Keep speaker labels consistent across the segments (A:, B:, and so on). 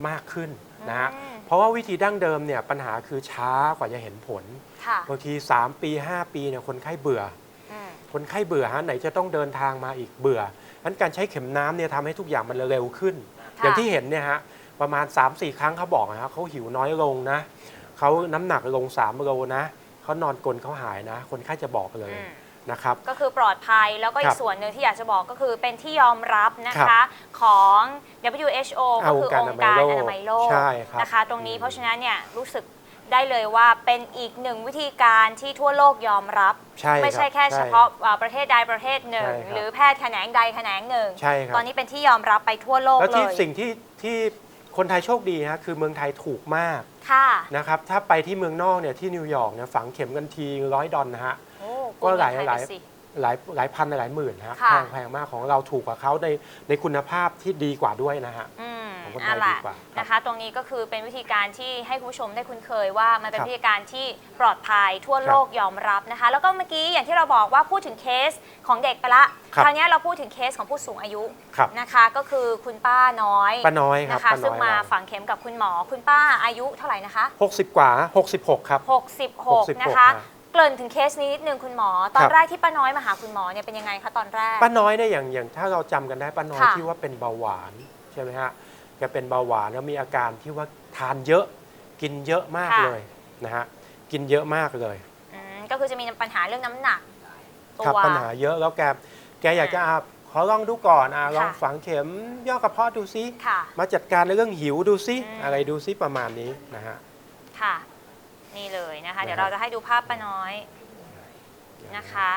A: มากขึ้นนะฮะเพราะว่าวิธีดั้งเดิมเนี่ยปัญหาคือช้ากว่าจะเห็นผลบางที3 ปี 5 ปีเนี่ยคนไข้เบื่อคนไข้เบื่อฮะไหนจะต้องเดินทางมาอีกเบื่องั้นการใช้เข็มน้ำเนี่ยทำให้ทุกอย่างมันเร็วขึ้นอย่างที่เห็นเนี่ยฮะประมาณ 3-4 ครั้งเขาบอกนะเขาหิวน้อยลงนะเขาน้ำหนักลง3 โลนะเขานอนกลนเขาหายนะคนไข้จะบอกเลยนะครับ
B: ก็คือปลอดภัยแล้วก็อีกส่วนหนึ่งที่อยากจะบอกก็คือเป็นที่ยอมรับนะคะของ WHO ก็คือองค์การอนามัยโลกนะคะตรงนี้เพราะฉะนั้นเนี่ยรู้สึกได้เลยว่าเป็นอีกหนึ่งวิธีการที่ทั่วโลกยอมรับไม่ใช่แค่เฉพาะประเทศใดประเทศหนึ่งหรือแพทย์แขนงใดแขนงหนึ่งตอนนี้เป็นที่ยอมรับไปทั่วโลกเลยแล้ว
A: ที่สิ่งที่คนไทยโชคดีฮะคือเมืองไทยถูกมากนะครับถ้าไปที่เมืองนอกเนี่ยที่นิวยอร์กเนี่ยฝังเข็มกันที$100นะฮะก็หลายพันหลายหมื่นฮะแพงมากของเราถูกกว่าเขาในคุณภาพที่ดีกว่าด้วยนะฮะของคนไทยดีกว่า
B: นะคะตรงนี้ก็คือเป็นวิธีการที่ให้คุณผู้ชมได้คุ้นเคยว่ามันเป็นวิธีการที่ปลอดภัยทั่วโลกยอมรับนะคะแล้วก็เมื่อกี้อย่างที่เราบอกว่าพูดถึงเคสของเด็กไปละคราวนี้เราพูดถึงเคสของผู้สูงอายุนะคะก็คือคุณป้าน้อยนะคะซึ่งมาฝังเข็มกับคุณหมอคุณป้าอายุเท่าไหร่นะคะ
A: 60 กว่า66ครับ
B: 66นะคะเกริ่นถึงเคสนี้นิดนึงคุณหมอตอนแรกที่ป้าน้อยมาหาคุณหมอเนี่ยเป็นยังไงคะตอนแรก
A: ป้าน้อยเนี่ยอย่างถ้าเราจำกันได้ป้าน้อยที่ว่าเป็นเบาหวานใช่ไหมฮะแกเป็นเบาหวานแล้วมีอาการที่ว่าทานเยอะกินเยอะมากเลยนะฮะกินเยอะมากเลย
B: ก็คือจะมีปัญหาเรื่องน้ำหนัก
A: ตัวปัญหาเยอะแล้วแกอยากจะขอลองดูก่อนลองฝังเข็มย่อกระเพาะดูซิมาจัดการในเรื่องหิวดูซิอะไรดูซิประมาณนี้นะฮะ
B: ค่ะนี่เลยนะคะเดี๋ยวเราจะให้ดูภาพป้าน้อยนะคะ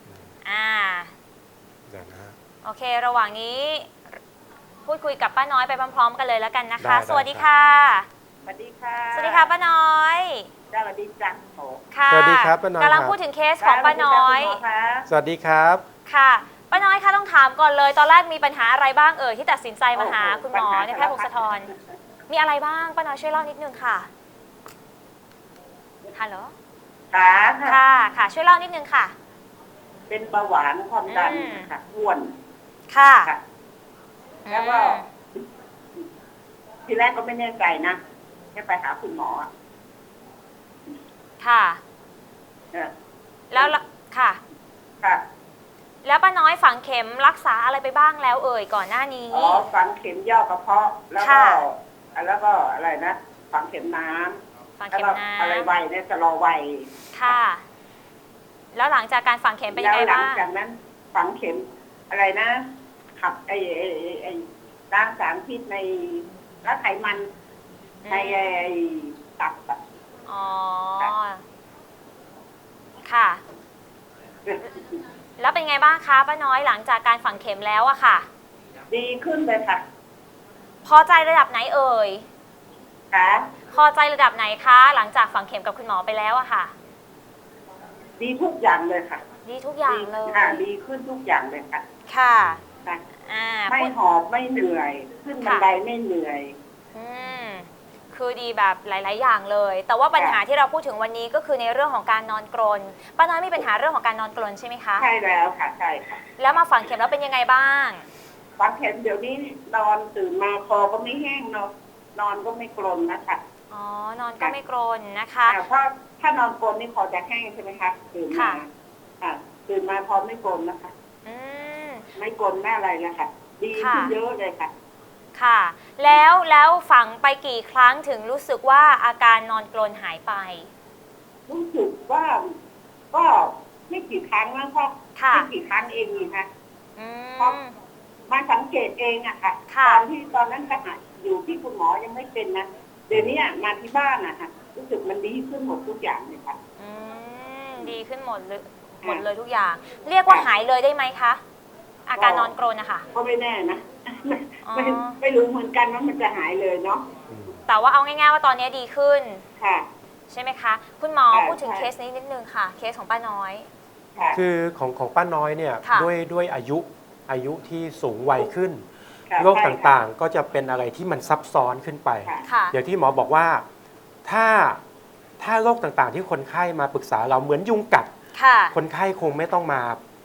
B: โอเคระหว่างนี้พูดคุยกับป้าน้อยไปพร้อมๆกันเลยแล้วกันนะคะสวัสดีค่ะ
C: สวัสดีค่ะ
B: สวัสดีค่ะป้าน้อย
C: สวัสดีจ้ะ
A: ค่ะสวัสดีครับป้าน้อย
B: กำลังพูดถึงเคสของป้าน้อย
A: สวัสดีครับ
B: ค่ะป้าน้อยคะต้องถามก่อนเลยตอนแรกมีปัญหาอะไรบ้างที่ตัดสินใจมาหาคุณหมอในแพทย์พงศธรมีอะไรบ้างป้าน้อยช่วยเล่านิดนึงค่ะฮัลโหลค่ะช่วยเล่านิดนึงค่ะ
C: เป็นเบาหวานความดันค่ะอ้วน
B: ค่ะ
C: แล้วก็ทีแรกก็ไม่แน่ใจนะแค่ไปหาคุณหมอ
B: ค่ะแล้วค่ะแล้วป้าน้อยฝังเข็มรักษาอะไรไปบ้างแล้วก่อนหน้านี้
C: ฝังเข็มย่อกระเพาะแล้วก็อะไรนะฝังเข็มน้ำแล้วก็อะไรไวเนี่ยจะรอไว
B: ค่ะแล้วหลังจากการฝังเข็มเป็นยังไงบ้าง
C: หลังจากนั้นฝังเข็มอะไรนะขับไอ้ล้างสารพิษในและไขมันในตับ
B: ค่ะแล้วเป็นไงบ้างคะป้าน้อยหลังจากการฝังเข็มแล้วอะค่ะ
C: ดีขึ้นเลยค่ะ
B: พอใจระดับไหน
C: ค่ะ
B: พอใจระดับไหนคะหลังจากฝังเข็มกับคุณหมอไปแล้วอะค่ะ
C: ดีทุกอย่างเลยค่ะ
B: ดีทุกอย่างเลย
C: ดีขึ้นทุกอย่างเลยค่ะ
B: ค่ะ
C: ไม่หอบไม่เหนื่อยขึ้นบันไดไม่เหนื่อย
B: คือดีแบบหลายๆอย่างเลยแต่ว่าปัญหาที่เราพูดถึงวันนี้ก็คือในเรื่องของการนอนกรนป้าน้อยมีปัญหาเรื่องของการนอนกรนใช่ไหมคะ
C: ใช่แล้วค่ะใช่ค่ะ
B: แล้วมาฝังเข็มแล้วเป็นยังไงบ้าง
C: ฝังเข็มเดี๋ยวนี้นอนตื่นมาคอก็ไม่แห้งนอนก็ไม่กรนนะคะ
B: นอนก็ไม่กรนนะคะ
C: เพราะถ้านอนกรนนี่คอจะแห้งใช่ไหมคะตื่นมาตื่นมาคอไม่กรนนะคะไม่กรนไม่อะไรนะคะดีขึ้นเยอะเลยค่ะ
B: ค่ะแล้วฝังไปกี่ครั้งถึงรู้สึกว่าอาการนอนกรนหายไป
C: รู้สึกว่าก็ไม่กี่ครั้งแล้วก็ไม่กี่ครั้งเองนี่ค่ะเพราะมาสังเกตเองอะค่ะตอนนั้นขณะอยู่ที่คุณหมอยังไม่เป็นนะเดี๋ยวนี้มาที่บ้านอะค่ะรู้สึกมันดีขึ้นหมดทุกอย่างเลยค่ะ
B: ดีขึ้นหมดเลยทุกอย่างเรียกว่าหายเลยได้ไหมคะอาการนอนกรนนะคะ
C: ก็ไม่แน่นะไม่รู้เหมือนกันว่ามันจะหายเลยเนาะ
B: แต่ว่าเอาง่ายๆว่าตอนนี้ดีขึ้น
C: ค่ะ
B: ใช่ไหมคะคุณหมอพูดถึงเคสนี้นิดนึงค่ะเคสของป้าน้อย
A: คือของป้าน้อยเนี่ยด้วยอายุที่สูงวัยขึ้นโรคต่างๆก็จะเป็นอะไรที่มันซับซ้อนขึ้นไปอย่างที่หมอบอกว่าถ้าโรคต่างๆที่คนไข้มาปรึกษาเราเหมือนยุงกัดคนไข้คงไม่ต้องมา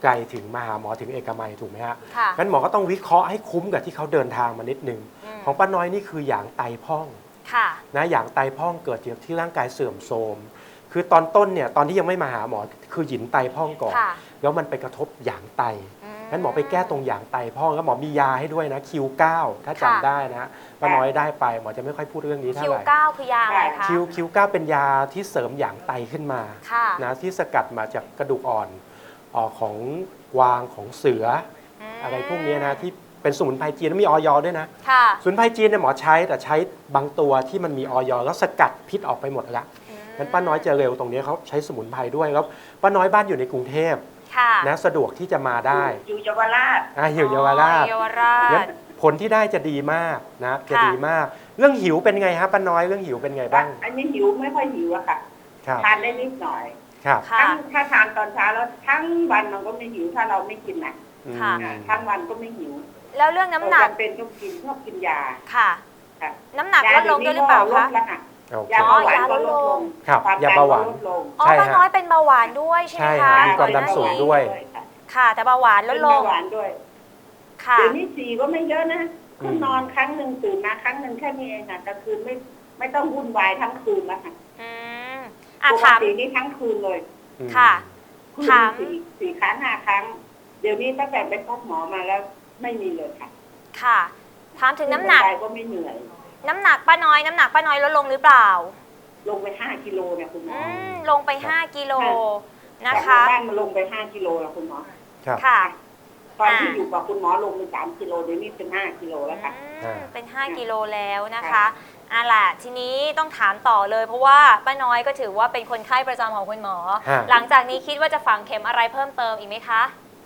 A: ไกลถึงมาหาหมอถึงเอกมัยถูกไหมฮะ
B: ค่ะ
A: งั้นหมอก็ต้องวิเคราะห์ให้คุ้มกับที่เขาเดินทางมานิดนึงของป้าน้อยนี่คือหยางไตพร่อง
B: ค่ะ
A: นะหยางไตพร่องเกิดจากที่ร่างกายเสื่อมโทรมคือตอนต้นเนี่ยตอนที่ยังไม่มาหาหมอคือหยินไตพร่องก่อน
B: ค่ะ
A: แล้วมันไปกระทบหยางไตงั้นหมอไปแก้ตรงหยางไตพร่องแล้วหมอมียาให้ด้วยนะ Q9 ถ้าจำได้นะป้าน้อยได้ไปหมอจะไม่ค่อยพูดเรื่องนี้เท่า
B: คิ
A: ไห
B: ว
A: ร่
B: เก้าคือยาอะไรคะ
A: Q9 เป็นยาที่เสริมหยางไตขึ้นมา
B: ค่ะ
A: นะที่สกัดมาจากกระดูกอ่อนของกวางของเสืออะไรพวกนี้นะที่เป็นสมุนไพรจีนแล้วมีออยด้วยนะ
B: ค่ะ
A: สมุนไพรจีนเนี่ยหมอใช้แต่ใช้บางตัวที่มันมีออยแล้วสกัดพิษออกไปหมดแล้วงั้นป้าน้อยจะเร็วตรงนี้เขาใช้สมุนไพรด้วยแล้วป้าน้อยบ้านอยู่ในกรุงเทพ
B: ค่ะ
A: นะสะดวกที่จะมาได้
C: อยู่เยาวราช
A: อยู่เยาวราช
B: เยาวราช
A: งั้นผลที่ได้จะดีมากนะจะดีมาก เรื่องหิวเป็นไงฮะป้าน้อยเรื่องหิวเป็นไงบ้าง
C: อันนี้หิวไม่ค่อยหิวอะค่ะ
A: ครับ
C: ทานได้นิดหน่อย
A: ครับ
B: ค่ะ
C: ถ้าทานตอนเช้าแล้วทั้งวันมันก็ไม่หิวถ้าเราไม่กินนะ
B: ค่ะ
C: ทั้งวันก็ไม่หิว
B: แล้วเรื่องน้ำหนัก
C: จำเป็นต้องกินชอบกินยา
B: ค่ะ
C: ค่ะ
B: น้ำหนักลดลงด้วยหรือเปล่า
C: ล
B: คะ
C: ดแล้วค่ะ
A: โอเค
C: ยาเบาหวานก็ลดลง
A: ครับ
C: ความ
A: ยา
C: ดัน
A: เบาห
C: ก็
A: วาน
C: ลดลง
B: อ๋อ
A: ใช่
B: ป้า
A: ฮะ
B: น้อยเป็นเบาหวานด้วยใช่ไหม
A: ใช่
B: คะ
A: ฮะมีความดันสูงด้วย
B: ค่ะ แต่เบาหวานล
C: เป็
B: ด
C: น
B: ล
C: เบาง หวานด้วย
B: ค่ะ
C: เดี๋ยวนี้4ก็ไม่เยอะนะคือนอนครั้งหนึ่งตื่นมาครั้งหนึ่งแค่นี้เองค่ะกลางคืนไม่ต้องวุ่นวายทั้งคืนแล้วค่ะ
B: อืม
C: ปก
B: ถาม
C: ตินี่ทั้งคืนเลย
B: ค่ะ
C: คืน
B: ถาม
C: สี่ครั้ง5 ครั้ง เดี๋ยวนี้ตั้งแต่ไปพบหมอมาแล้วไม่มีเลยค่ะ
B: ค่ะ ถามถึงน้ำหนัก
C: ขึ้ไปก็ไม่เหนื่อย
B: น้ำหนักป้าน้อย น้ำหนักป้าน้อยลดลงหรือเปล่า
C: ลงไป5 กิโลเนี่ยคุณหมอ
B: ลงไป 5 กิโลนะ
C: จาก
B: คะ
C: บ้านมาลงไป5 กิโลแล้วคุณหมอ
A: ครับ
B: ค่ะ
C: ตอนที่อยู่กับคุณหมอลงไป3 กิโลเดี๋ยวนี้เป็น5 กิโลแล้วค่ะ
B: เป็น 5 กิโลแล้วนะคะล่ะทีนี้ต้องถามต่อเลย เพราะว่าป้าน้อยก็ถือว่าเป็นคนไข้ประจำของคุณหมอ หลังจากนี้คิดว่าจะฝังเข็มอะไรเพิ่มเติมอีกไหมคะ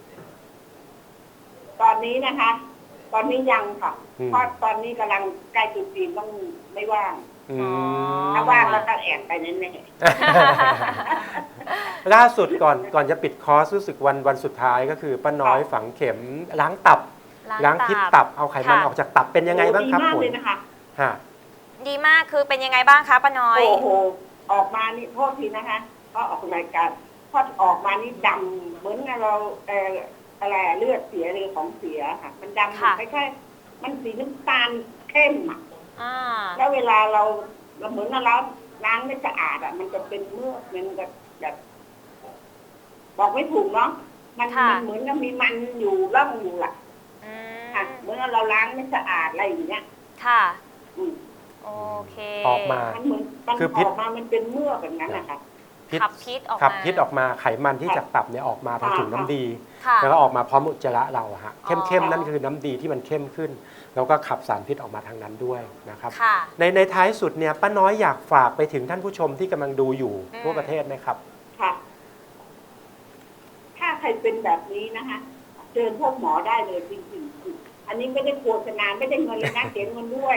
C: ตอนนี้นะคะ ตอนนี้ยังค่ะ
A: อืม
C: เพราะตอนนี้กำลังใกล้จุดจีนต้องไม่ว่าง
A: อืม
C: ถ้าว่างแล้วก็แอบไปแน่
A: ล่าสุดก่อนจะปิดคอร์สรู้สึกวันสุดท้ายก็คือป้าน้อยฝังเข็มล้างตับล้างพิษตับเอาไขมันออกจากตับเป็น
C: ๆ
A: ยังไงบ้างครับ
C: ดีมาก
A: ผล
C: เลยนะคะ
A: ฮะ
B: ดีมากคือเป็นยังไงบ้างคะป้าน้อย
C: โอ้โหออกมานี่โทษทีนะคะก็ออกรายการพอออกมานี่ดำเหมือนเราอะไรเลือดเสียหรือของเสียค่ะ มันดำ
B: ค่ะ
C: ไม่ใช่มันสีน้ำตาลเข้มอ่ะ
B: อ่า
C: แล้วเวลาเราเหมือนเราล้างไม่สะอาดอ่ะ มันจะเป็นเมือกมันก็แบบบอกไม่ถูกเนาะมันเหมือนกับมีมันอยู่ร่องอยู่อ่ะ
B: อืม
C: ค่ะเหมือนเราล้างไม่สะอาดอะไรอย่างเงี้ย
B: ค่ะ
C: อืม
B: โอเค
A: ออกมา
C: มันเหมือนมัน
A: คือ
C: อ
A: พิษ
C: อกมามันเป็นเมือกแบบนั้นนะคะ
B: ขับพิษออก
A: ขับ
B: มา
A: พิษออกมาไขมันที่จากตับเนี่ยออกมาทางถุงน้ำดี
B: ค่ะ
A: แล้วก็ออกมาพร้อมอุจจาระเราอะฮะ
B: อ๋อ
A: เข้มๆนั่นคือน้ำดีที่มันเข้มขึ้น แล้วก็ขับสารพิษออกมาทางนั้นด้วยนะครับ
B: ค่ะ
A: ในท้ายสุดเนี่ยป้าน้อยอยากฝากไปถึงท่านผู้ชมที่กำลังดูอยู่ทั่วประเทศไหมครับ
C: ค่ะ ถ้าใครเป็นแบบนี้นะคะเชิญพวกหมอได้เลยจริงๆอันนี้ไม่ได้โฆษณาไม่ได้เงินเลยนะเสียเงินด้วย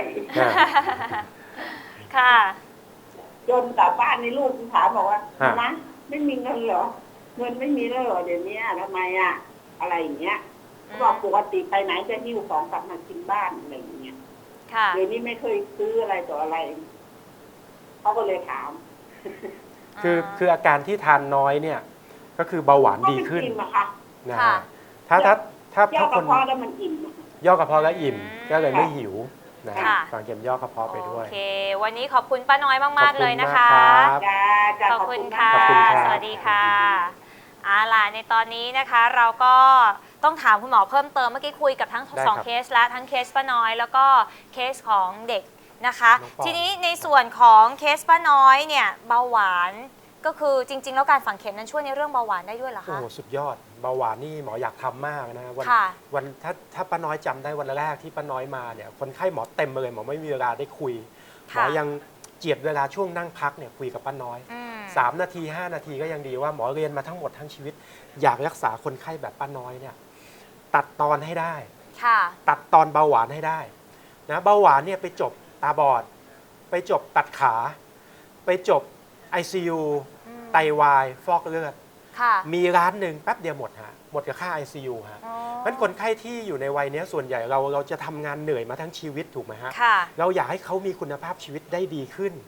B: ค่ะ
C: จนกลับบ้านในลูกถามบอกว่า
A: ฮะ
C: นะไม่มีเงินเหรอเงินไม่มีแล้วเหรอเดี๋ยวนี้ทำไมอ่ะ อะไรอย่างเงี้ยเขาบอกปกติไปไหนจะหิ้วของกลับมากินบ้านอะไรอย่างเงี้ย
B: ค่ะ
C: เดี๋ยวนี้ไม่เคยซื้ออะไรต่ออะไรเขาก็เลยถาม
A: คืออาการที่ทานน้อยเนี่ยก็คือเบาหวานดีขึ้น
C: ก็เป็นอิ่มอะค่ะ
A: นะ
B: ค่ะ
A: ฮะถ้า
C: ย่อ
A: ค
C: กระ
A: น
C: เพาะแล้วมันอิ่มอะ
A: ย่อกระเพาะแล้วอิ่ม ก็เลยไม่
C: ค่ะ
A: หิวนะฮะ
B: ค่ะ
A: ฝังเข็มย่อกระเพาะไปด้วย
B: โอเค วันนี้ขอบคุณป้าน้อยมาก
A: ขอบ
B: ๆ
A: คุ
B: เล
A: ณ
B: ยนะ
A: มาก
B: คะ
A: ครับ
C: จ้าจ้า
B: ขอบคุณค่ะ
A: ขอบคุณครับ
B: สวัสดีค่ะล่ะในตอนนี้นะคะเราก็ต้องถามคุณหมอเพิ่มเติมเมื่อกี้คุยกับทั้ง
A: ได้
B: สอง
A: ครับ
B: เคสแล้วทั้งเคสป้าน้อย แล้วก็เคสของเด็กนะคะ
A: น้องปอน
B: ทีนี้ในส่วนของเคสป้าน้อยเนี่ยเบาหวานก็คือจริง ๆ แล้วการฝังเข็มนั้นช่วยในเรื่องเบาหวานได้ด้วยเหรอ
A: โอ้
B: คะ
A: โหสุดยอดเบาหวานนี่หมออยากทำมากนะวัน
B: ค่ะ
A: วันถ้าป้าน้อยจำได้วันแรกที่ป้าน้อยมาเนี่ยคนไข้หมอเต็มเลยหมอไม่มีเวลาได้คุยหมอ
B: ค่ะ
A: ยังเจียดเวลาช่วงนั่งพักเนี่ยคุยกับป้าน้อย
B: อืม
A: 3 นาที 5 นาทีก็ยังดีว่าหมอเรียนมาทั้งหมดทั้งชีวิต อยากรักษาคนไข้แบบป้าน้อยเนี่ยตัดตอนให้ได้
B: ค่ะ
A: ตัดตอนเบาหวานให้ได้นะเบาหวานเนี่ยไปจบตาบอด ไปจบตัดขา ไปจบ ICU
B: อืม
A: ไตวายฟอกเลือด
B: ค่ะ
A: มีร้านหนึ่งแป๊บเดียวหมดฮะหมดกับค่า ICU ฮะ
B: อ๋อ
A: เพราะฉะนั้นคนไข้ที่อยู่ในวัยนี้ส่วนใหญ่เราจะทำงานเหนื่อยมาทั้งชีวิตถูกไหมฮะ
B: ค่ะ
A: เราอยากให้เขามีคุณภาพชีวิตได้ดีขึ้น
B: อืม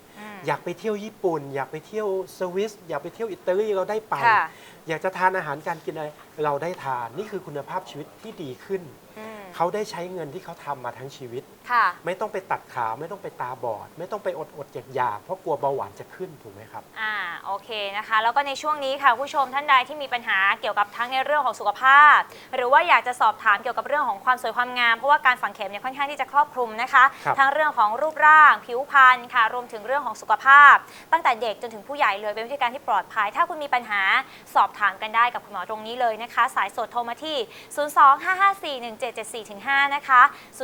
A: อยากไปเที่ยวญี่ปุ่น อยากไปเที่ยวสวิสอยากไปเที่ยวอิตาลีเราได้ไป อยากจะทานอาหารการกินอะไรเราได้ทานนี่คือคุณภาพชีวิตที่ดีขึ้นเขาได้ใช้เงินที่เขาทำมาทั้งชีวิตไม่ต้องไปตัดขาไม่ต้องไปตาบอดไม่ต้องไปอดอยากเพราะกลัวเบาหวานจะขึ้นถูกไหมครับ
B: โอเคนะคะแล้วก็ในช่วงนี้ค่ะผู้ชมท่านใดที่มีปัญหาเกี่ยวกับทั้งในเรื่องของสุขภาพหรือว่าอยากจะสอบถามเกี่ยวกับเรื่องของความสวยความงามเพราะว่าการฝังเข็มเนี่ยค่อนข้างที่จะครอบคลุมนะคะทั้งเรื่องของรูปร่างผิวพรรณค่ะรวมถึงเรื่องของสุขภาพตั้งแต่เด็กจนถึงผู้ใหญ่เลยเป็นวิธีการที่ปลอดภัยถ้าคุณมีปัญหาสอบถามกันได้กับคุณหมอตรงนี้เลยนะคะสายสดโทรมาที่ 025541774-5 นะคะ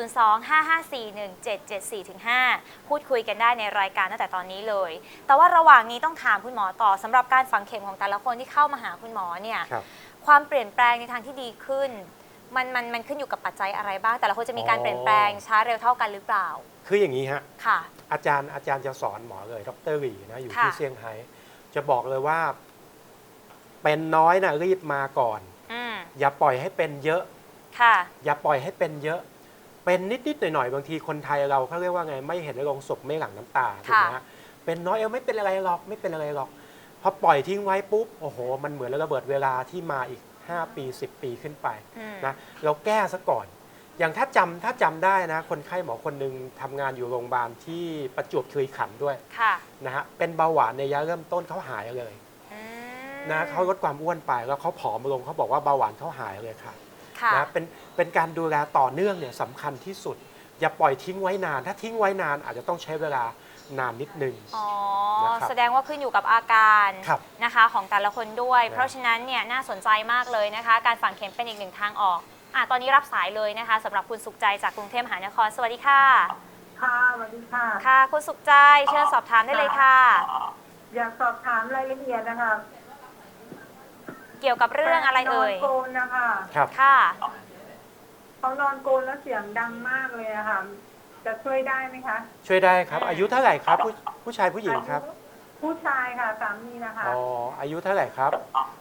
B: 025541774-5 พูดคุยกันได้ในรายการตั้งแต่ตอนนี้เลยแต่ว่าระหว่างนี้ต้องถามคุณหมอต่อสำหรับการฝังเข็มของแต่ละคนที่เข้ามาหาคุณหมอเนี่ยความเปลี่ยนแปลงในทางที่ดีขึ้นมันขึ้นอยู่กับปัจจัยอะไรบ้างแต่ละคนจะมีการเปลี่ยนแปลงช้าเร็วเท่ากันหรือเปล่า
A: คืออย่างนี้ฮะ
B: ค่ะ
A: อาจารย์จะสอนหมอเลยดร.หลีนะอยู่ที่เซี่ยงไฮ้จะบอกเลยว่าเป็นน้อยนะรีบมาก่อนอย่าปล่อยให้เป็นเยอะอย่าปล่อยให้เป็นเยอะเป็นนิดหน่อยบางทีคนไทยเราเขาเรียกว่าไงไม่เห็นโลงศพไม่หลั่งน้ำตาถูกไหมฮะเป็นน้อยไม่เป็นอะไรหรอกไม่เป็นอะไรหรอกพอปล่อยทิ้งไว้ปุ๊บโอ้โหมันเหมือนระเบิดเวลาที่มาอีก5 ปี10 ปีขึ้นไปนะเราแก้ซะก่อนอย่างถ้าจำได้นะคนไข้หมอคนหนึ่งทำงานอยู่โรงพยาบาลที่ประจวบคีรีขันธ์ด้วยนะฮะเป็นเบาหวานในระยะเริ่มต้นเขาหายเลยนะเขาลดความอ้วนไปแล้วเขาผอมลงเขาบอกว่าเบาหวานเขาหายเลยค่ะนะเป็นการดูแลต่อเนื่องเนี่ยสำคัญที่สุดอย่าปล่อยทิ้งไว้นานถ้าทิ้งไว้นานอาจจะต้องใช้เวลานานนิดนึง
B: แสดงว่าขึ้นอยู่กับอาการนะคะของแต่ละคนด้วยเพราะฉะนั้นเนี่ยน่าสนใจมากเลยนะคะการฝังเข็มเป็นอีกหนึ่งทางออกตอนนี้รับสายเลยนะคะสำหรับคุณสุขใจจากกรุงเทพมหานครสวัสดีค่ะ
C: ค่ะสวัสดีค่ะ
B: ค่ะคุณสุขใจเชิญสอบถามได้เลยค่ะ
C: อยากสอบถามรายละเอียดนะคะ
B: เกี่ยวกับเรื่องอะไรเอ่ย
C: นอนโกนนะคะ
B: ค่ะ
C: เขานอนโกนแล้วเสียงดังมากเลยอะค่ะจะช่วยได้ไหมคะ
A: ช่วยได้ครับอายุเท่าไหร่ครับผู้ชายผู้หญิงครับ
C: ผู้ชายค่ะสามีนะคะ
A: อายุเท่าไหร่ครับ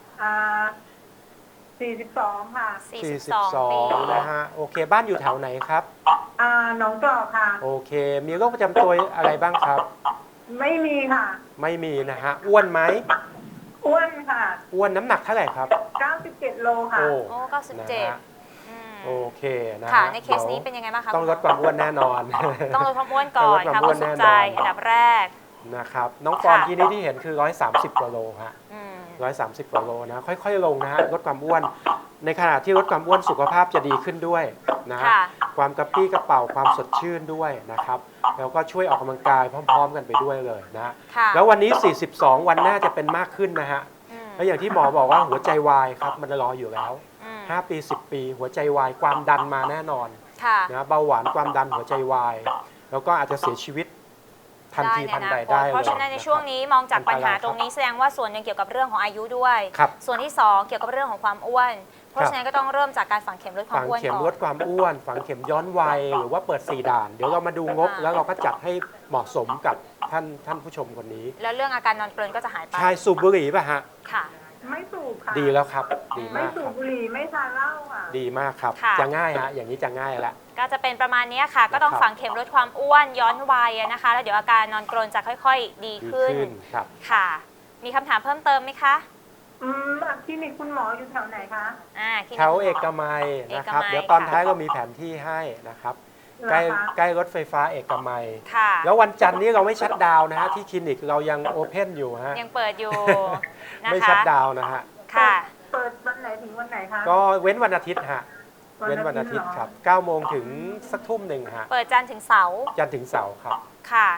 C: 42ค่ะ
A: 42นะฮะโอเคบ้านอยู่แถวไหนครับ
C: หนองจอกค่ะ
A: โอเคมีโรคประจำตัวอะไรบ้างครับ
C: ไม่มีค่ะ
A: ไม่มีนะฮะอ้วนไหม
C: อ้วนค่ะ
A: อ้วนน้ำหนักเท่าไหร่ครับ
C: 97 โลค่ะ
B: โอ้97
A: โอเคนะ
B: ค่ะในเคสนี้เป็นยังไงบ้างคะ
A: ต้องลดความอ้วนแน่นอน
B: ต้องลดความอ้วนก่อนค่ะคุณสุขใจอันดับแรก
A: นะครับน้องปอนที่เห็นคือ130 กว่าโลฮะ130 กว่าโลนะค่อยๆลงนะฮะลดความอ้วนในขณะที่ลดความอ้วนสุขภาพจะดีขึ้นด้วยนะฮะความกระปรี้กระเป๋าความสดชื่นด้วยนะครับแล้วก็ช่วยออกกำลังกายพร้อมๆกันไปด้วยเลยนะแล้ววันนี้42วันหน้าจะเป็นมากขึ้นนะฮะแล้วอย่างที่หมอบอกว่าหัวใจวายครับมันรออยู่แล้ว5 ปี10 ปีหัวใจวายความดันมาแน่นอนนะเบาหวานความดันหัวใจวายแล้วก็อาจจะเสียชีวิตทันทีทันใดได้
B: เพราะฉะนั้นในช่วงนี้มองจากปัญหาตรงนี้แสดงว่าส่วนหนึ่งเกี่ยวกับเรื่องของอายุด้วยส่วนที่2เกี่ยวกับเรื่องของความอ้วนเพราะฉะนั้นก็ต้องเริ่มจากการฝังเข็มลดความอ้วนก่อน
A: ฝังเข็มลดความอ้วนฝังเข็มย้อนวัยหรือว่าเปิด4 ด่านเดี๋ยวเรามาดูงบแล้วเราก็จัดให้เหมาะสมกับท่านผู้ชมคนนี้
B: แล้วเรื่องอาการนอนเพลินก็จะหายไป
A: ใช่สูบบุหรี่ป่ะฮะ
B: ค่ะ
C: ไม่สูบค่ะ
A: ดีแล้วครับดีมาก
C: ไม่สูบบุหรี่ไม่ทานเหล้าค่ะ
A: ดีมากครับจะง่ายฮะอย่างนี้จะง่ายแล้ว
B: ก็จะเป็นประมาณนี้ค่ะก็ต้องฝังเข็มลดความอ้วนย้อนวัยนะคะแล้วเดี๋ยวอาการนอนกรนจะค่อยๆดีขึ้น
A: ครับ
B: ค่ะมีคำถามเพิ่มเติมไหมคะ
C: คลินิกคุณหมออยู่แถวไหนคะ
A: แถวเอกมัยนะครับเดี๋ยวตอนท้ายเรามีแผนที่ให้นะครับใกล้รถไฟฟ้าเอกมัยแล้ววันจันทร์นี้เราไม่ชัตดาวน์นะฮะที่คลินิกเรายังโอเพนอยู่ฮะ
B: ยังเปิดอยู่
A: ไม่ชัตดาวน์นะฮะ
B: ค่ะ
C: เปิดวันไหนถึงวันไหนคะ
A: ก็เว้นวันอาทิตย์ฮะเว้นวันอาทิตย์ครับ9 โมงถึงสักทุ่มหนึ่งฮะ
B: เปิดจันทร์ถึงเสาร์
A: จันทร์ถึงเสาร์ครับ
B: ค่ะ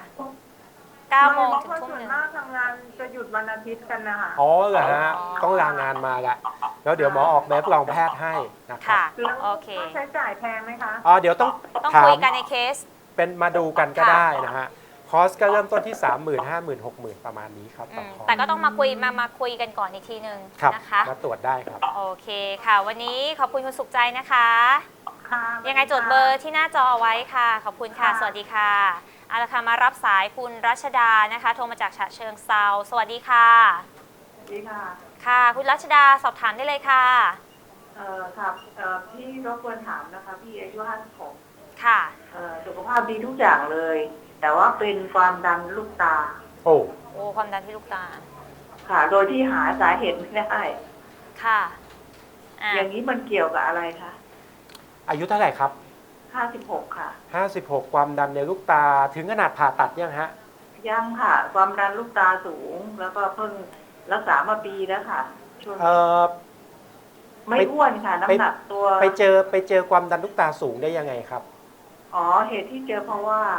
B: 9 โมงถึงทุ่มหนึ่ง
C: มากทำงานจะหยุดวันอาทิตย์กันนะคะ
A: เหรอฮะต้องลางานมาละแล้วเดี๋ยวหมอออกแบบรองแพทย์ให้นะครับ
B: โอเค
C: ใช้จ่ายแพงไหมคะ
A: เดี๋ยวต้อง
B: คุยกันในเคส
A: เป็นมาดูกันก็ได้นะฮะคอสก็เริ่มต้นที่ 30,000 50,000 60,000ประมาณนี้ครับ
B: แต่ก็ต้องมาคุยกันก่อนอีกทีนึงนะคะ
A: มาตรวจได้ครับ
B: โอเคค่ะวันนี้ขอบคุณคุณสุขใจนะคะยังไงจดเบอร์ที่หน้าจอเอาไว้ค่ะขอบคุณค่ะสวัสดีค่ะเอาละค่ะมารับสายคุณรัชดานะคะโทรมาจากฉะเชิงเทราสวัสดีค่ะ
C: สวัสดีค่ะ
B: ค่ะคุณรัชดาสอบถามได้เลยค่ะ
C: ครับพี่รบกวนถามนะคะพี่อายุ56
B: ค่ะ
C: สุขภาพดีทุกอย่างเลยแต่ว่าเป็นความดันลูกตา
A: โอ้
B: ความดันที่ลูกตา
C: ค่ะ โดยที่หาสาเหตุไม่ได้
B: ค่ะ
C: อย่างนี้มันเกี่ยวกับอะไรคะ
A: อายุเท่าไหร่ครับ
C: 56ค่ะ
A: 56ความดันในลูกตาถึงขนาดผ่าตัดยังฮะ
C: ยังค่ะความดันลูกตาสูงแล้วก็เพิ่งรักษามาปีแล้วค่ะช่วงไม่อ้วนค่ะน้ำหนักตัว
A: ไปเจอความดันลูกตาสูงได้ยังไงครับ
C: อ๋อเหตุที่เจอเพราะว่า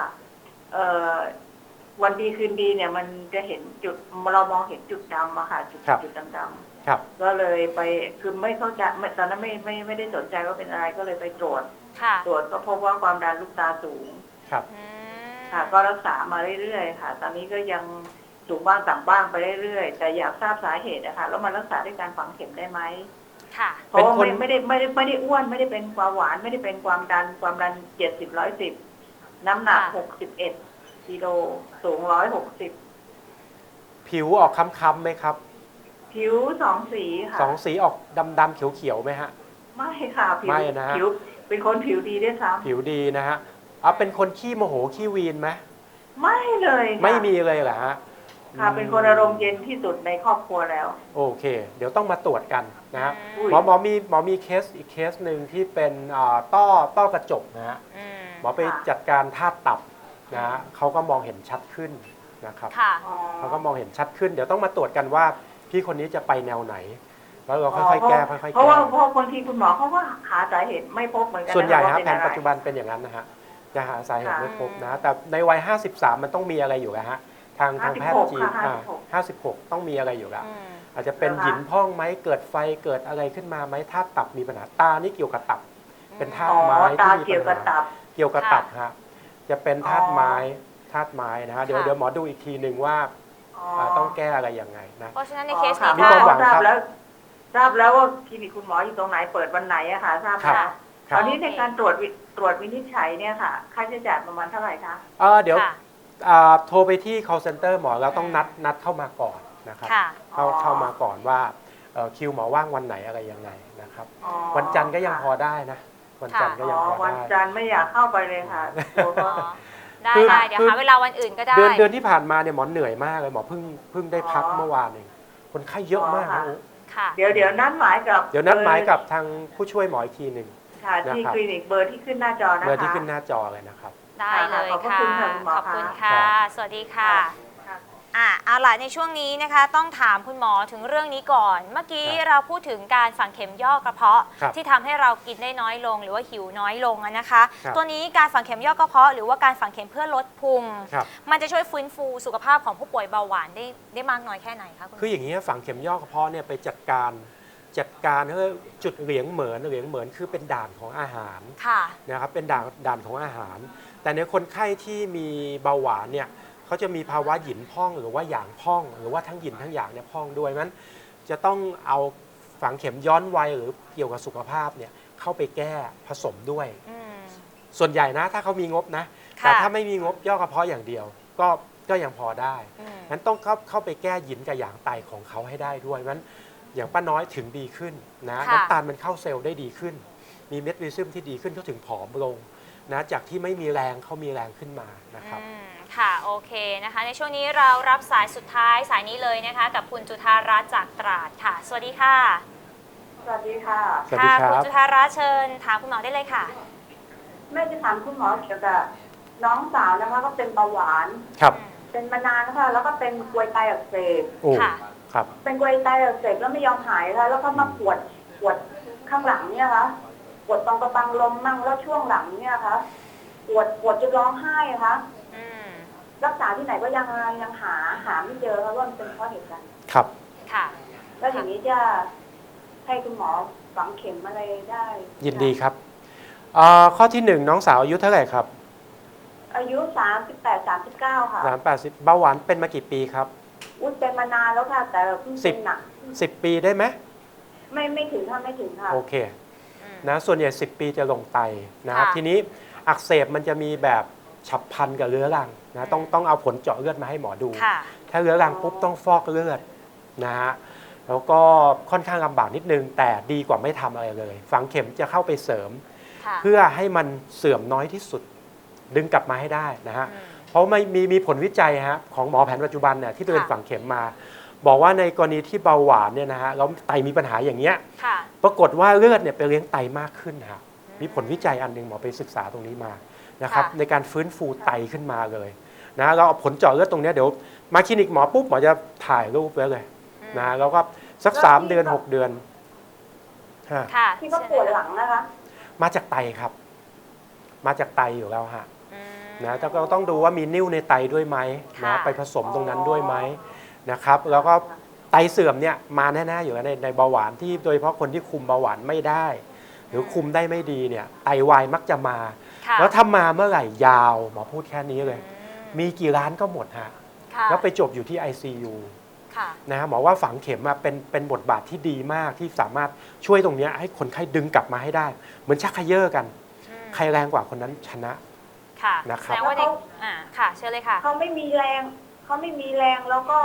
C: วันดีคืนดีเนี่ยมันจะเห็นจุดเรามองเห็นจุดดำอะค่ะจุดดำๆก็เลยไปคือไม่เข้าใจตอนนั้นไม่ได้สนใจว่าเป็นอะไรก็เลยไปตรวจก็พบว่าความดันลูกตาสูง
A: ครับ
C: ค่ะก็รักษามาเรื่อยๆค่ะตอนนี้ก็ยังสูงบ้างต่ำบ้างไปเรื่อยๆแต่อยากทราบสาเหตุนะคะแล้วมันรักษาด้วยการฝังเข็มได้ไหมเพราะว่าไม่ได้อ้วนไม่ได้เป็นความหวานไม่ได้เป็นความดัน70-110น้ำหนัก61กิโลสูง160
A: ผิวออกค้ำๆไหมครับ
C: ผิว2 สีค่ะ
A: 2 สีออกดำๆเขียวๆไหมฮะ
C: ไม่ค่ะ
A: ไม่นะฮะ
C: ผิวเป็นคนผิวดีด้วยซ้
A: ำผิวดีนะฮะเป็นคนขี้โมโหขี้วีนไหม
C: ไม่เลย
A: ไม่มีเลยเหรอฮะ
C: ค่ะเป็นคนอารมณ์เย็นที่สุดในครอบครัวแล้ว
A: โอเคเดี๋ยวต้องมาตรวจกันนะฮะหมอมีเคสอีกเคสหนึ่งที่เป็นต้อกระจกนะฮะหมอไปจัดการธาตุตับนะฮะเขาก็มองเห็นชัดขึ้นนะครับเขาก็มองเห็นชัดขึ้นเดี๋ยวต้องมาตรวจกันว่าพี่คนนี้จะไปแนวไหนแล้วเราค่อยๆแก้ค่อยๆแก้
C: เพราะว่าคนที่คุณหมอเขาก็หาสาเหตุไม่พบเหมือนกัน
A: ส่วนใหญ่ฮะแผนปัจจุบันเป็นอย่างนั้นนะฮะจะหาสาเหตุไม่พบนะแต่ในวัย53มันต้องมีอะไรอยู่นะฮะทางแพทย์จีน56ต้องมีอะไรอยู่แล้วอาจจะเป็นหยินพองไหมเกิดไฟเกิดอะไรขึ้นมาไหมธาตุตับมีปัญหาตานี่เกี่ยวกับตับเป็นธาตุไม้ที่มีปัญหาเกี่ยวกับตับฮะจะเป็นธาตุไม้นะฮะเดี๋ยวหมอดูอีกทีหนึ่งว่าต้องแก้อะไรยังไงนะ
B: เพราะฉะนั้นในเคสนี้
C: มีความหวังครับทราบแล้วว่าคลินิกคุณหมออยู่ตรงไหนเปิดวันไหนอะค่ะทราบแล้วตอนนี้ในการตรวจวินิจฉัยเนี่ยค่ะค่าใช้จ่ายประมาณเท่าไหร่คะ
A: เดี๋ยวโทรไปที่ call center หมอแล้วต้องนัดเข้ามาก่อนนะครับเข้ามาก่อนว่าคิวหมอว่างวันไหนอะไรยังไงนะครับวันจันทร์ก็ยังพอได้นะวันจันทร์ก็ยังพอได้
C: วันจันทร์ไม่อยากเข้าไปเลยค่ะ
B: ได้เดี๋ยวหาเวลาวันอื่นก็ได้
A: เดือนที่ผ่านมาเนี่ยหมอเหนื่อยมากเลยหมอเพิ่งได้พักเมื่อวานเองคนไข้เยอะมากนะ
C: เดี๋ยวนัดหมาย
A: กับทางผู้ช่วยหมออีกทีหนึ่ง
C: ที่คลินิกเบอร์ที่ขึ้นหน้าจอนะคะ
A: เบอร์ที่ขึ้นหน้าจอเลยนะครับ
B: ได้เลยค่ะขอบคุณค่ะสวัสดีค่ะเอาล่ะในช่วงนี้นะคะต้องถามคุณหมอถึงเรื่องนี้ก่อนเมื่อกี้เราพูดถึงการฝังเข็มย่อกระเพาะที่ทำให้เรากินได้น้อยลงหรือว่าหิวน้อยลงนะคะตัวนี้การฝังเข็มย่อกระเพาะหรือว่าการฝังเข็มเพื่อลดพุงมันจะช่วยฟื้นฟูสุขภาพของผู้ป่วยเบาหวานได้มากน้อยแค่ไหนคะ
A: คืออย่างนี้ฝังเข็มย่อกระเพาะเนี่ยไปจัดการจุดเหลียงเหมือนคือเป็นด่านของอาหารนะครับเป็นด่านของอาหารแต่ในคนไข้ที่มีเบาหวานเนี่ยเขาจะมีภาวะหยินพองหรือว่าหยางพองหรือว่าทั้งหยินทั้งหยางเนี่ยพองด้วยนั้นจะต้องเอาฝังเข็มย้อนวัยหรือเกี่ยวกับสุขภาพเนี่ยเข้าไปแก้ผสมด้วยส่วนใหญ่นะถ้าเขามีงบนะแต่ถ้าไม่มีงบย่อกระเพาะอย่างเดียวก็ยังพอได้นั้นต้องเข้าไปแก้หยินกับหยางไตของเขาให้ได้ด้วยนั้นอย่างป้าน้อยถึงดีขึ้นนะน้ำตาลมันเข้าเซลล์ได้ดีขึ้นมีเมทริซึมที่ดีขึ้นเขาถึงผอมลงนะจากที่ไม่มีแรงเขามีแรงขึ้นมานะครับ
B: ค่ะโอเคนะคะในช่วงนี้เรารับสายสุดท้ายสายนี้เลยนะคะกับคุณจุฑารัตน์จากตราดค่ะสวัสดีค่ะ
C: สวัสดีค่ะ
B: ค่ะคุณจุฑารัตน์เชิญถามคุณหมอได้เลยค่ะ
C: แม่จะถามคุณหมอเกี่ยวกับน้องสาวนะคะก็เป็นเบาหวานเป็นมานานนะคะแล้วก็เป็นกรวยไตอักเสบ
B: ค่ะ
C: เป็นกรวยไตอักเสบแล้วไม่ยอมหายค่ะแล้วก็มาปวดข้างหลังเนี่ยค่ะปวดตรงกระบังลมมั่งแล้วช่วงหลังเนี่ยค่ะปวดจนร้องไห้ค่ะรักษาที่ไหนก็ยังหาไม่เจอค่ะว่ามันเป็นเพราะเหตุการณ์
A: ครับ
B: ค่ะ
C: แล้วอย่างนี้จะให้คุณหมอฝังเข็มอะไรได้
A: ยินดีครับข้อที่1น้องสาวอายุเท่าไหร่ครับ
C: อายุ38-39ค่ะ
A: 30เบาหวานเป็นมากี่ปีครับ
C: เป็นมานานแล้วค่ะแต่เพิ่งเป็นหนัก
A: 10 ปีได้ไหม
C: ไม่ถึงค่ะ
A: โอเคนะส่วนใหญ่10 ปีจะลงไตนะครับทีนี้อักเสบมันจะมีแบบฉับพลันกับเรื้อรังนะต้องเอาผลเจาะเลือดมาให้หมอดูถ้าเรื้อรังปุ๊บต้องฟอกเลือดนะฮะแล้วก็ค่อนข้างลำบากนิดนึงแต่ดีกว่าไม่ทำอะไรเลยฝังเข็มจะเข้าไปเสริมเพื่อให้มันเสื่อมน้อยที่สุดดึงกลับมาให้ได้นะฮะเพราะมีผลวิจัยฮะของหมอแผนปัจจุบันเนี่ยที่เป็นฝังเข็มมา บอกว่าในกรณีที่เบาหวานเนี่ยนะฮะแล้วไตมีปัญหาอย่างเงี้ยปรากฏว่าเลือดเนี่ยไปเลี้ยงไตมากขึ้นฮะมีผลวิจัยอันหนึ่งหมอไปศึกษาตรงนี้มานะครับในการฟื้นฟูไตขึ้นมาเลยนะเราเอาผลเจาะเลือดตรงนี้เดี๋ยวมาคลินิกหมอปุ๊บหมอจะถ่ายรูปไว้เลยนะแล้วก็สัก3 เดือน 6 เดือน
C: ที่ก็ปวดหลังนะคะ
A: มาจากไตครับมาจากไตอยู่แล้วฮะนะแต่ก็ต้องดูว่ามีนิ่วในไตด้วยไหมนะไปผสมตรงนั้นด้วยไหมนะครับแล้วก็ไตเสื่อมเนี่ยมาแน่ๆอยู่แล้วในเบาหวานที่โดยเฉพาะคนที่คุมเบาหวานไม่ได้หรือคุมได้ไม่ดีเนี่ยไตวายมักจะมาแล้วถ้ามาเมื่อไหร่ยาวหมอพูดแค่นี้เลยมีกี่ล้านก็หมดฮะแล้วไปจบอยู่ที่ ICU นะฮะหมอว่าฝังเข็มเป็นบทบาทที่ดีมากที่สามารถช่วยตรงนี้ให้คนไข้ดึงกลับมาให้ได้เหมือนชักเขย่อกันใครแรงกว่าคนนั้นชนะนะครับ
B: แล้วว่าเด็กค่ะเชิญเลยค่ะ
C: เขาไม่มีแรงแล้วก็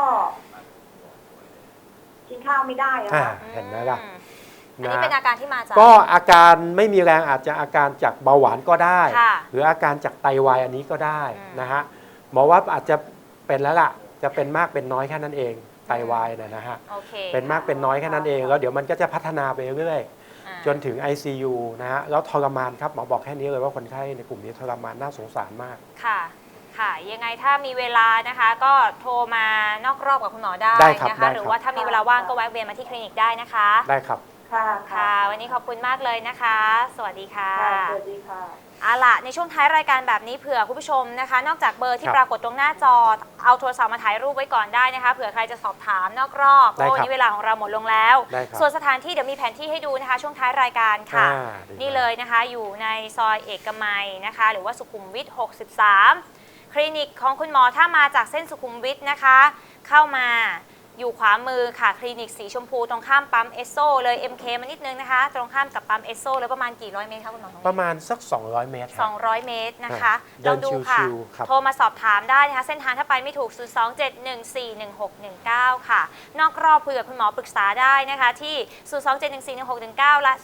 C: กินข้าวไม่ได้
A: เห็นไหมล่ะ
B: อันนี้เป็นอาการที่มาจาก
A: ก็อาการไม่มีแรงอาจจะอาการจากเบาหวานก็ได้หรืออาการจากไตวายอันนี้ก็ได้นะฮะหมอว่าอาจจะเป็นแล้วล่ะจะเป็นมากเป็นน้อยแค่นั้นเองไตวายนะฮะเป็นมากเป็นน้อยแค่นั้นเองแล้วเดี๋ยวมันก็จะพัฒนาไปเรื่อยๆจนถึง ICU นะฮะแล้วทรมานครับหมอบอกแค่นี้เลยว่าคนไข้ในกลุ่มนี้ทรมานน่าสงสารมาก
B: ค่ะยังไงถ้ามีเวลานะคะก็โทรมานอกรอบกับคุณหมอได้นะคะหรือว่าถ้ามีเวลาว่างก็แวะเวียนมาที่คลินิกได้นะคะ
A: ได้ครับ
B: ค่ะวันนี้ขอบคุณมากเลยนะคะ สวัสดีค่ะ
C: สวัสดีค่ะ
B: เอาล่ะในช่วงท้ายรายการแบบนี้เผื่อคุณผู้ชมนะคะนอกจากเบอร์ที่ปรากฏตรงหน้าจอเอาโทรศัพท์มาถ่ายรูปไว้ก่อนได้นะคะเผื่อใครจะสอบถามนอกรอบเพราะวันนี้เวลาของเราหมดลงแล้วส่วนสถานที่เดี๋ยวมีแผนที่ให้ดูนะคะช่วงท้ายรายการค่ะนี่เลยนะคะอยู่ในซอยเอกมัยนะคะหรือว่าสุขุมวิท63คลินิกของคุณหมอถ้ามาจากเส้นสุขุมวิทนะคะเข้ามาอยู่ขวามือค่ะคลินิกสีชมพูตรงข้ามปั๊มเอสโซเลย MK มานิดนึงนะคะตรงข้ามกับปั๊มเอสโซเลยประมาณกี่ร้อยเมตรคะคุณหมอ
A: ประมาณสัก200 เมตร
B: 200 เมตรนะคะลองดูค่ะโทรมาสอบถามได้นะคะเส้นทางถ้าไปไม่ถูก 027141619 ค่ะนอกรอบคุยกับคุณหมอปรึกษาได้นะคะที่ 027141619 และ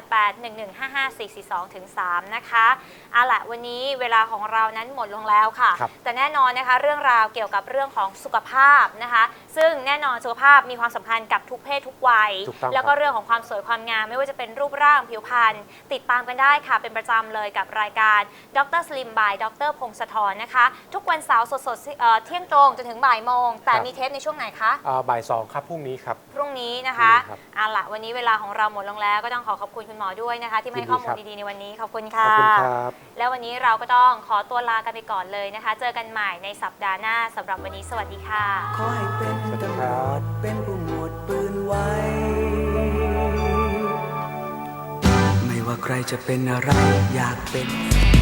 B: 0881155442-3 นะคะเอาล่ะวันนี้เวลาของเรานั้นหมดลงแล้วค่ะแต่แน่นอนนะคะเรื่องราวเกี่ยวกับเรื่องของสุขภาพนะคะซึ่งแน่นอนสุขภาพมีความสำคัญกับทุกเพศทุกวัยแล้วก็เรื่องของความสวยความงามไม่ว่าจะเป็นรูปร่างผิวพรรณติดตามกันได้ค่ะเป็นประจำเลยกับรายการดรสลิมบายดรพงศธรนะคะทุกวันเสาร์สดๆเที่ยงตรงจนถึงบ่ายโมงแต่มีเทปในช่วงไหนคะ
A: บ่าย2ครับพรุ่งนี้ครับ
B: พรุ่งนี้นะคะเอาล่ะวันนี้เวลาของเราหมดลงแล้วก็ต้องขอบคุณคุณหมอด้วยนะคะที่ให้ข้อมูลดีๆในวันนี้ขอบคุณค่ะแล้ววันนี้เราก็ต้องขอตัวลากันไปก่อนเลยนะคะเจอกันใหม่ในสัปดาห์หน้าสำหรับวันนี้สวัสดีค่ะ
D: ขอให้เป็นตำรวจเป็นผู้หมวดปืนไว้ไม่ว่าใครจะเป็นอะไรอยากเป็น